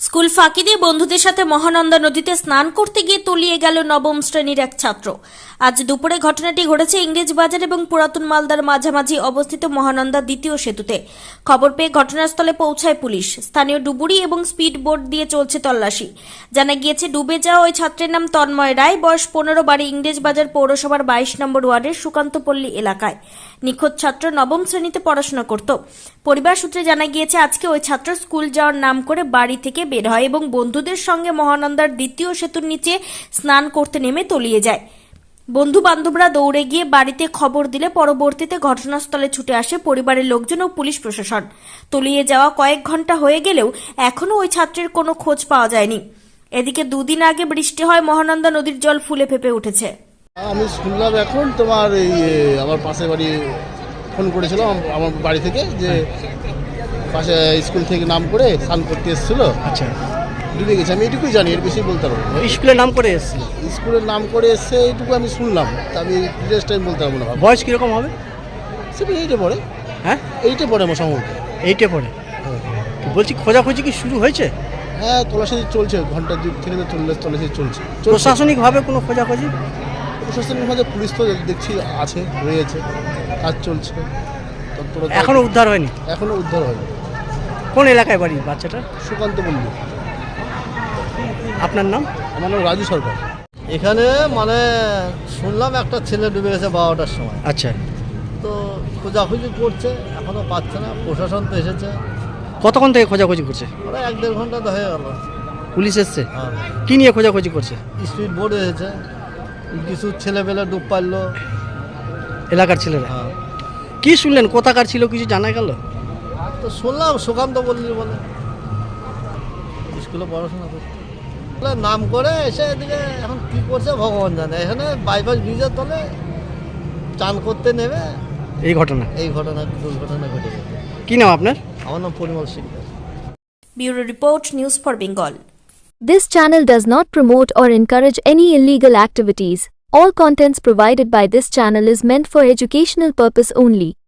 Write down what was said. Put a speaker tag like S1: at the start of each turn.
S1: School ফাঁকি দিয়ে বন্ধুদের সাথে মহানন্দা নদীতে স্নান করতে গিয়ে তলিয়ে গেল নবম শ্রেণীর এক ছাত্র। আজ দুপুরে ঘটনাটি ঘটেছে ইংরেজবাজার এবং পুরাতন মালদার মাঝামাঝি অবস্থিত মহানন্দা দ্বিতীয় সেতুতে। খবর পেয়ে ঘটনাস্থলে পৌঁছায় পুলিশ। স্থানীয় ডুবুরি এবং স্পিড বোট দিয়ে চলছে তল্লাশি। জানা গিয়েছে ডুবে যাওয়া ওই ছাত্রের নাম তন্ময় রায়, বয়স 15, বাড়ি ইংরেজবাজার পৌরসভার 22 নম্বর ওয়ার্ডের সুকান্তপল্লী এলাকায়। নিখোঁজ ছাত্র নবম শ্রেণীতে পড়াশোনা করত। পরিবার সূত্রে জানা গিয়েছে আজকে ওই ছাত্র স্কুল যাওয়ার নাম করে বাড়ি থেকে বের হয় এবং বন্ধুদের সঙ্গে মহানন্দার দ্বিতীয় সেতুর নিচে স্নান করতে নেমে তলিয়ে যায়। বন্ধু বান্ধবরা দৌড়ে গিয়ে বাড়িতে খবর দিলে পরবর্তীতে ঘটনাস্থলে ছুটে আসে পরিবারের লোকজন ও পুলিশ প্রশাসন। তলিয়ে যাওয়া কয়েক ঘন্টা হয়ে গেলেও এখনো ওই ছাত্রের কোনো খোঁজ পাওয়া যায়নি। এদিকে দুদিন আগে বৃষ্টি হয় মহানন্দা নদীর জল ফুলে ফেপে উঠেছে।
S2: আমি শুনলাম এখন তোমার এই আমার পাশের বাড়ি ফোন করেছিল আমার বাড়ি থেকে যে পাশে স্কুল থেকে নাম করে স্নান করতে এসেছিল,
S3: আচ্ছা,
S2: ডুবে গেছে। আমি এটুকুই জানি, এর বেশি বলতে পারবো না।
S3: স্কুলের নাম করে এসেছিল?
S2: স্কুলের নাম করে এসছে এইটুকু আমি শুনলাম, তা আমি ডিটেলস টাইম বলতে পারবো না।
S3: বয়স কীরকম হবে?
S2: সে এইটে পড়ে।
S3: হ্যাঁ,
S2: এইটে পড়ে আমার সম্ভবত।
S3: এইটে পড়ে। বলছি খোঁজাখুঁজি কি শুরু হয়েছে?
S2: হ্যাঁ, তল্লাশি চলছে, ঘন্টা 2 থেকে তল্লাশি চলছে।
S3: প্রশাসনিকভাবে কোনো খোঁজাখুঁজি?
S2: প্রশাসনিকভাবে পুলিশ তো দেখছি আছে, রয়েছে, কাজ চলছে।
S3: এখনো উদ্ধার হয়নি?
S2: এখনো উদ্ধার হয়নি।
S3: কোন এলাকায় বাড়ি বাচ্চাটা?
S2: সুকান্ত বললি।
S3: আপনার নাম?
S2: আমার নাম রাজু সরকার।
S4: এখানে মানে শুনলাম একটা ছেলে ডুবে গেছে 12টার সময়।
S3: আচ্ছা,
S4: তো খোঁজাখুঁজি করছে, এখনো পাচ্ছে না। প্রশাসন তো এসেছে,
S3: কতক্ষণ থেকে খোঁজাখুঁজি করছে?
S4: ওরা 1-1.5 ঘন্টা তো হয়ে গেল।
S3: পুলিশ এসছে?
S4: হ্যাঁ,
S3: কি নিয়ে খোঁজাখুঁজি করছে?
S4: স্পিড বোট এসেছে, কিছু ছেলেপেলে ডুব পারলো।
S3: এলাকার ছেলেরা?
S4: হ্যাঁ,
S3: কি শুনলেন, কোথাকার ছিল কিছু জানা গেল?
S4: তো শুনলাম সুকান্ত বললি বলে স্কুলে পড়াশোনা করতে বলে নাম করে এসে এদিকে এখন কি করছে ভগবান জানে। এখানে বাইপাস ব্রিজের তলে চান করতে নেমে
S3: এই ঘটনা,
S4: দুর্ঘটনা ঘটে গেছে।
S3: কি নাম আপনার?
S4: আমার নাম Parimal Sikdar.
S1: Bureau report, news for Bengal.
S5: This channel does not promote or encourage any illegal activities. All contents provided by this channel is meant for educational purpose only.